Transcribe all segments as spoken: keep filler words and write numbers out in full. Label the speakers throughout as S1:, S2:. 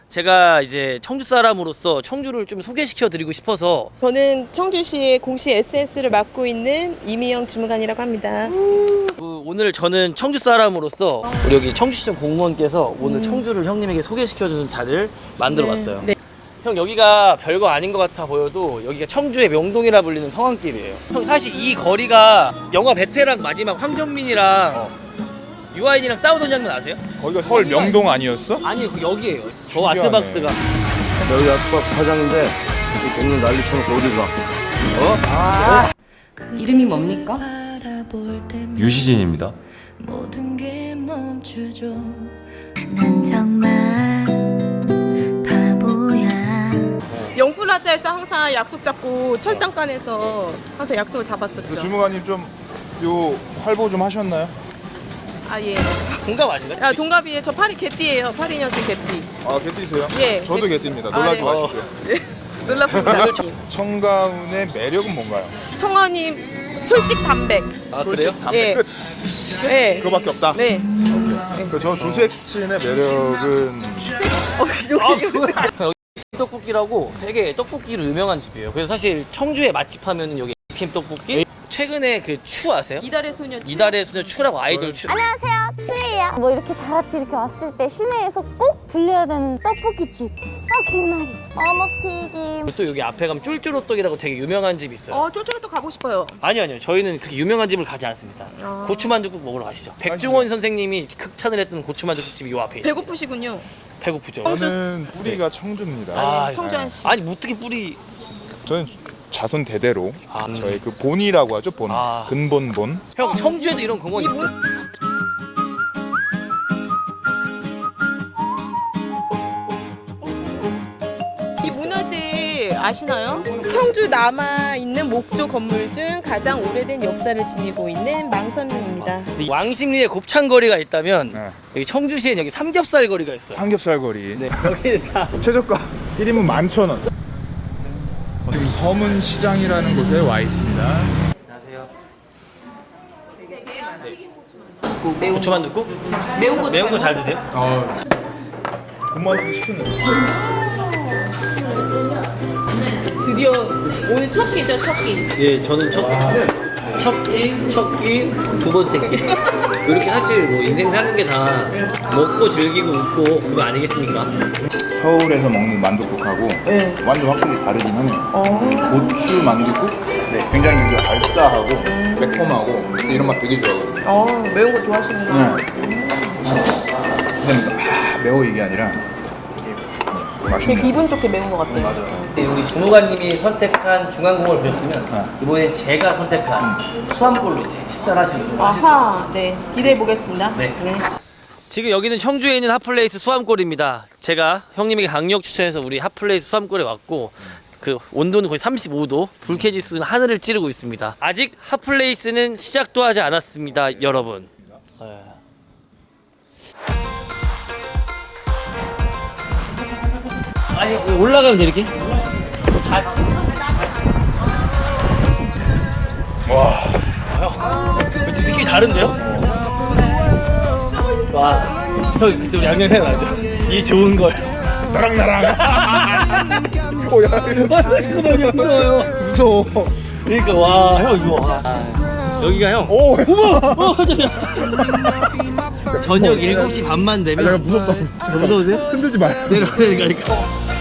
S1: 제가 이제 청주 사람으로서 청주를 좀 소개시켜 드리고 싶어서.
S2: 저는 청주시의 공시 에스에스를 맡고 있는 이미영 주무관이라고 합니다.
S1: 그 오늘 저는 청주 사람으로서 우리 여기 청주시청 공무원께서 오늘
S2: 음.
S1: 청주를 형님에게 소개시켜주는 자리를 만들어
S2: 네.
S1: 봤어요.
S2: 네.
S1: 형 여기가 별거 아닌 것 같아 보여도 여기가 청주의 명동이라 불리는 성황길이에요. 형 사실 이 거리가 영화 베테랑 마지막 황정민이랑
S3: 어.
S1: 유아인이랑 싸우던 장면 아세요?
S3: 거기가 서울
S1: 거기가-
S3: 명동 아니었어?
S1: 아니 그 여기에요. 저
S3: 신기하네.
S1: 아트박스가.
S4: 여기 아트박스 사장인데 이 동네 난리 쳐놓고 어디 가?
S5: 이름이 뭡니까?
S6: 유시진입니다.
S7: 모든 게 멈추죠. 난 정말 바보야.
S2: 영플라자에서 항상 약속 잡고 철당간에서 항상 약속을 잡았었죠.
S3: 주무관님 좀 요 활보 좀 하셨나요?
S2: 아 예.
S1: 동갑 아닌가요?
S2: 야 동갑이에요. 저 파리 개띠예요. 팔이 년생 개띠.
S3: 아 개띠세요?
S2: 예.
S3: 저도
S2: 개-
S3: 개띠입니다.
S2: 아,
S3: 놀라지
S2: 네.
S3: 마십시오.
S2: 네. 놀랍습니다.
S1: 오늘 청-
S3: 청가운의 매력은 뭔가요?
S2: 청아님 솔직 담백.
S1: 아 그래요?
S3: 솔직 담배
S2: 예.
S3: 끝.
S2: 네.
S3: 그거밖에 없다.
S2: 네.
S3: 그 저 조색친의 매력은
S2: 섹시. 어,
S1: 아,
S2: 여기
S1: 그거 여기 떡볶이라고 되게 떡볶이로 유명한 집이에요. 그래서 사실 청주의 맛집 하면은 여기 에이피엠 떡볶이. 최근에 그 추 아세요?
S2: 이달의 소녀. 추.
S1: 이달의 소녀 추라고 아이돌 추.
S8: 안녕하세요, 추예요. 뭐 이렇게 다 같이 이렇게 왔을 때 시내에서 꼭 들려야 되는 떡볶이집. 어, 김말이. 어묵튀김.
S1: 또 여기 앞에 가면 쫄쫄호떡이라고 되게 유명한 집이 있어요.
S2: 어, 쫄쫄도 가고 싶어요.
S1: 아니요 아니요 저희는 그렇게 유명한 집을 가지 않습니다.
S2: 아.
S1: 고추만두국 먹으러 가시죠. 백종원 선생님이 극찬을 했던 고추만두국집이 요 앞에 있어요.
S2: 배고프시군요.
S1: 배고프죠.
S3: 저는 뿌리가 청주입니다.
S1: 아,
S2: 청주한 씨.
S1: 아니 뭐 어떻게 뿌리.
S3: 저는 자손 대대로
S1: 아.
S3: 저희 그 본이라고 하죠. 본.
S1: 아.
S3: 근본 본.
S1: 형 청주에도 이런 공원 있어.
S2: 이 문화재 아시나요? 청주 남아 있는 목조 건물 중 가장 오래된 역사를 지니고 있는 망선릉입니다.
S1: 왕십리에 곱창거리가 있다면
S3: 네.
S1: 여기 청주시엔 여기 삼겹살 거리가 있어요.
S3: 삼겹살 거리.
S1: 네. 여기는 다
S3: 최저가 일 인분 만 천 원. 지금 서문시장이라는 곳에 와 있습니다.
S1: 안녕하세요.
S2: 매운
S1: 고추만두국?
S2: 매운 거
S1: 매운 거 잘 드세요?
S3: 어. 엄마한테 시켰는데.
S2: 드디어 오늘 첫 끼죠, 첫 끼.
S1: 예, 저는 첫, 첫 끼, 첫 끼, 두 번째 끼. 이렇게 사실 뭐 인생 사는 게 다 먹고 즐기고 웃고 그거 아니겠습니까?
S3: 서울에서 먹는 만둣국하고
S2: 네.
S3: 완전 확실히 다르긴 하네요.
S2: 어.
S3: 고추 만둣국? 네. 굉장히 이제 알싸하고 매콤하고 이런 맛 되게 좋아하거든요.
S2: 어, 매운 거 좋아하시는구나.
S3: 네. 근데 아, 매워 이게 아니라
S2: 되게
S3: 맛있네.
S2: 기분 좋게 매운 것 같아요.
S1: 네, 우리 주무관님이 선택한 중앙공을 보셨으면
S3: 네.
S1: 이번에 제가 선택한 수암골로 이제 식사를 하시는 거예요.
S2: 아하, 네. 기대해 보겠습니다.
S1: 네. 지금 여기는 청주에 있는 핫플레이스 수암골입니다. 제가 형님에게 강력 추천해서 우리 핫플레이스 수암골에 왔고 그 온도는 거의 삼십오 도, 불쾌 지수는 하늘을 찌르고 있습니다. 아직 핫플레이스는 시작도 하지 않았습니다, 여러분. 네. 아니 올라가면 돼 이렇게?
S3: 와.
S1: 형, 느낌이 다른데요? 와, 형 그때 양념 생각나죠? 이 좋은 걸.
S3: 나랑 나랑. 뭐야?
S1: 그거든요, 무서워요.
S3: 무서워.
S1: 그러니까 와, 형 이거 와. 여기가 형.
S3: 오.
S1: 어머, 어, 깜짝이야. 저녁 일곱 시 반만 되면.
S3: 내가 무섭다.
S1: 무서우세요?
S3: 흔들지 마.
S1: 내려가니까.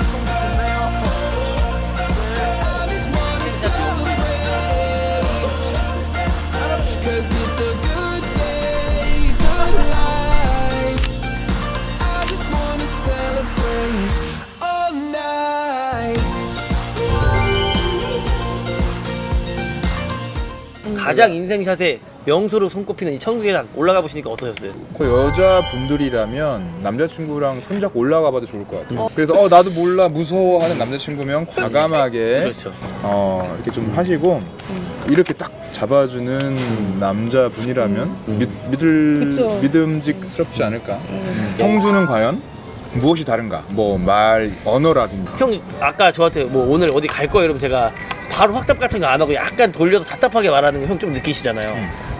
S1: 가장 인생샷에 명소로 손꼽히는 이 청주계단 올라가 보시니까 어떠셨어요?
S3: 그 여자분들이라면 남자친구랑 손잡고 올라가 봐도 좋을 것 같아요. 그래서 어 나도 몰라 무서워하는 남자친구면 과감하게
S1: 그렇죠.
S3: 어 이렇게 좀 하시고 이렇게 딱 잡아주는 남자분이라면 믿, 믿을
S2: 그쵸.
S3: 믿음직스럽지 않을까. 청주는 과연 무엇이 다른가? 뭐 말 언어라든지.
S1: 형 아까 저한테 뭐 오늘 어디 갈 거예요 이러면 제가 바로 확답 같은 거 안 하고 약간 돌려서 답답하게 말하는 거 형 좀 느끼시잖아요.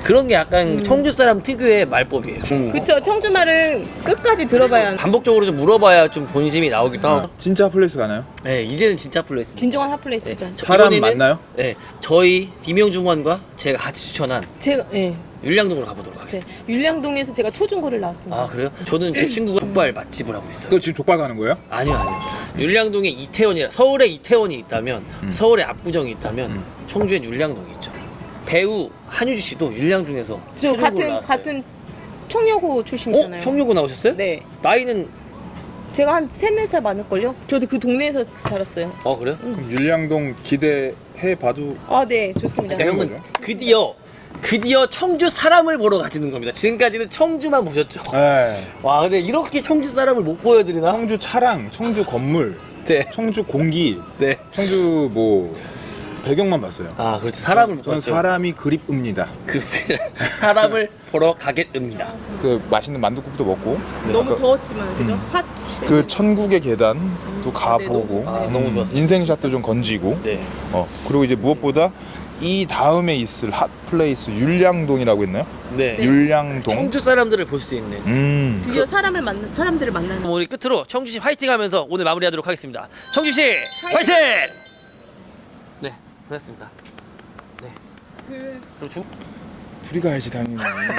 S1: 그런 게 약간 청주 사람 특유의 말법이에요.
S2: 그쵸. 청주 말은 끝까지 들어봐야 하는
S1: 반복적으로 좀 물어봐야 좀 본심이 나오기도 하고.
S3: 진짜 핫플레이스 가나요?
S1: 네, 이제는 진짜 핫플레이스.
S2: 진정한 핫플레이스죠.
S3: 사람
S1: 이번에는-
S3: 맞나요?
S1: 네, 저희 김영중원과 제가 같이 추천한
S2: 제가 예.
S1: 율량동으로 가보도록
S2: 네.
S1: 하겠습니다.
S2: 율량동에서 제가 초중고를 나왔습니다.
S1: 아 그래요? 저는 제 친구가 족발 맛집을 하고 있어요.
S3: 그거 지금 족발 가는 거예요?
S1: 아니요 아니요. 율량동에 이태원이라 서울에 이태원이 있다면 서울에 압구정이 있다면
S3: 음.
S1: 청주엔 율량동이 있죠. 배우 한유주 씨도 율량동에서
S2: 저
S1: 초중고를
S2: 같은
S1: 나왔어요.
S2: 같은 청여고 출신이잖아요.
S1: 어? 청룡고 나오셨어요?
S2: 네.
S1: 나이는
S2: 제가 한 세네 살 많을걸요? 저도 그 동네에서 자랐어요.
S1: 어 그래요?
S3: 그럼 율량동 기대해 봐도
S2: 아, 네. 좋습니다.
S1: 그러니까 형은 드디어 드디어 청주 사람을 보러 가시는 겁니다. 지금까지는 청주만 보셨죠.
S3: 네.
S1: 와 근데 이렇게 청주 사람을 못 보여드리나?
S3: 청주 차량, 청주 건물,
S1: 네.
S3: 청주 공기,
S1: 네.
S3: 청주 뭐 배경만 봤어요.
S1: 아 그렇지 사람을 못
S3: 저는
S1: 봤죠.
S3: 사람이 그립습니다.
S1: 글쎄 사람을 보러 가겠습니다.
S3: 그 맛있는 만두국도 먹고
S2: 너무
S3: 아까
S2: 더웠지만 그죠? 핫.
S3: 그 천국의 계단도 가보고
S1: 아, 너무 좋았어요.
S3: 인생샷도 좀 건지고
S1: 네.
S3: 어 그리고 이제 무엇보다 이 다음에 있을 핫플레이스 율량동이라고 했나요?
S1: 네.
S3: 율량동.
S1: 청주 사람들을 볼 수 있는.
S3: 음.
S2: 드디어 사람을 만나 사람들을 만나는.
S1: 그럼 우리 끝으로 청주시 화이팅하면서 오늘 마무리하도록 하겠습니다. 청주시 화이팅! 네, 고맙습니다. 네. 그리고 중
S3: 둘이 가야지 당연히.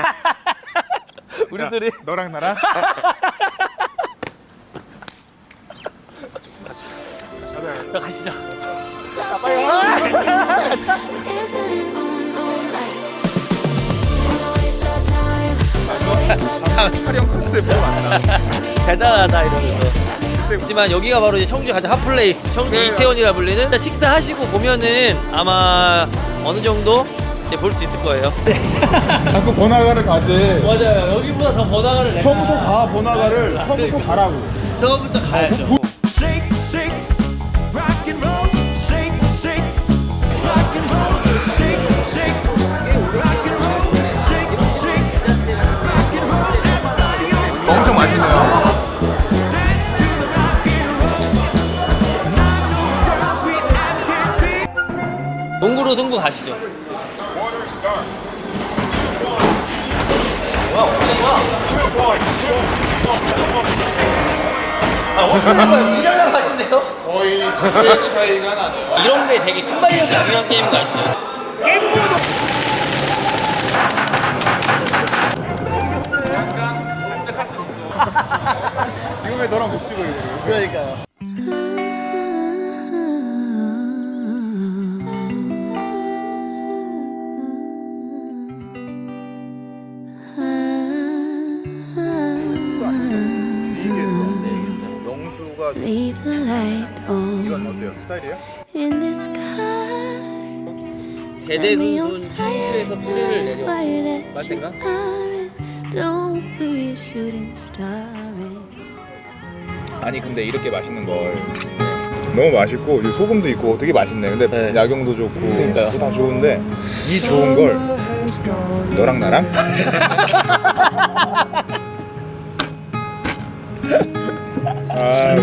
S1: 우리들이
S3: 너랑 나랑.
S1: 자, 가시죠.
S7: Dancing in moonlight. Don't waste our time. Don't waste our time.
S3: 촬영 컨셉 뭐 맞나?
S1: 대단하다 이러면서. 하지만 여기가 바로 이제 청주 가장 핫플레이스, 청주 이태원이라 불리는. 일단 식사하시고 보면은 아마 어느 정도 볼 수 있을 거예요.
S3: 자꾸 번화가를 가지.
S1: 맞아요. 여기보다 더 번화가를 내가.
S3: 처음부터 가 번화가를. 처음부터 가라고.
S1: 처음부터 가야죠.
S6: Shake, shake, rock and roll. Shake, shake, rock and roll. Shake, shake, rock and roll. Shake, shake, rock and roll. Everybody on
S3: 엄청 맛있네요.
S6: dance to the rock and roll. Not no girls, sweet as can be.
S1: 농구로 승부 가시죠. 아, 어떻게 거예요? 굉장히 가신데요?
S3: 거의 두 배 차이가 나네요.
S1: 이런 게 되게 순발력이 중요한 게임인 거 아시죠?
S3: 이거 왜 너랑 못 찍어 이거?
S1: 그러니까요.
S3: 영수가
S7: Leave the light on
S3: 이건 어때요? 스타일이에요?
S7: in the sky.
S1: 대대손손 청주에서 뿌리를 내려. 맞든가?
S7: Don't be a shooting star.
S3: 아니 근데 이렇게 맛있는 걸 너무 맛있고 이 소금도 있고 되게 맛있네. 근데
S1: 네.
S3: 야경도 좋고
S1: 그러니까요.
S3: 다 좋은데 이 좋은 걸 너랑 나랑 아,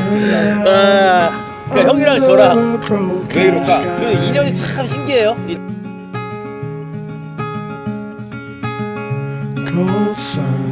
S1: 아, 그러니까 형이랑 저랑
S3: 왜 이럴까?
S1: 그 인연이 참 신기해요. 이-
S6: Cold sun.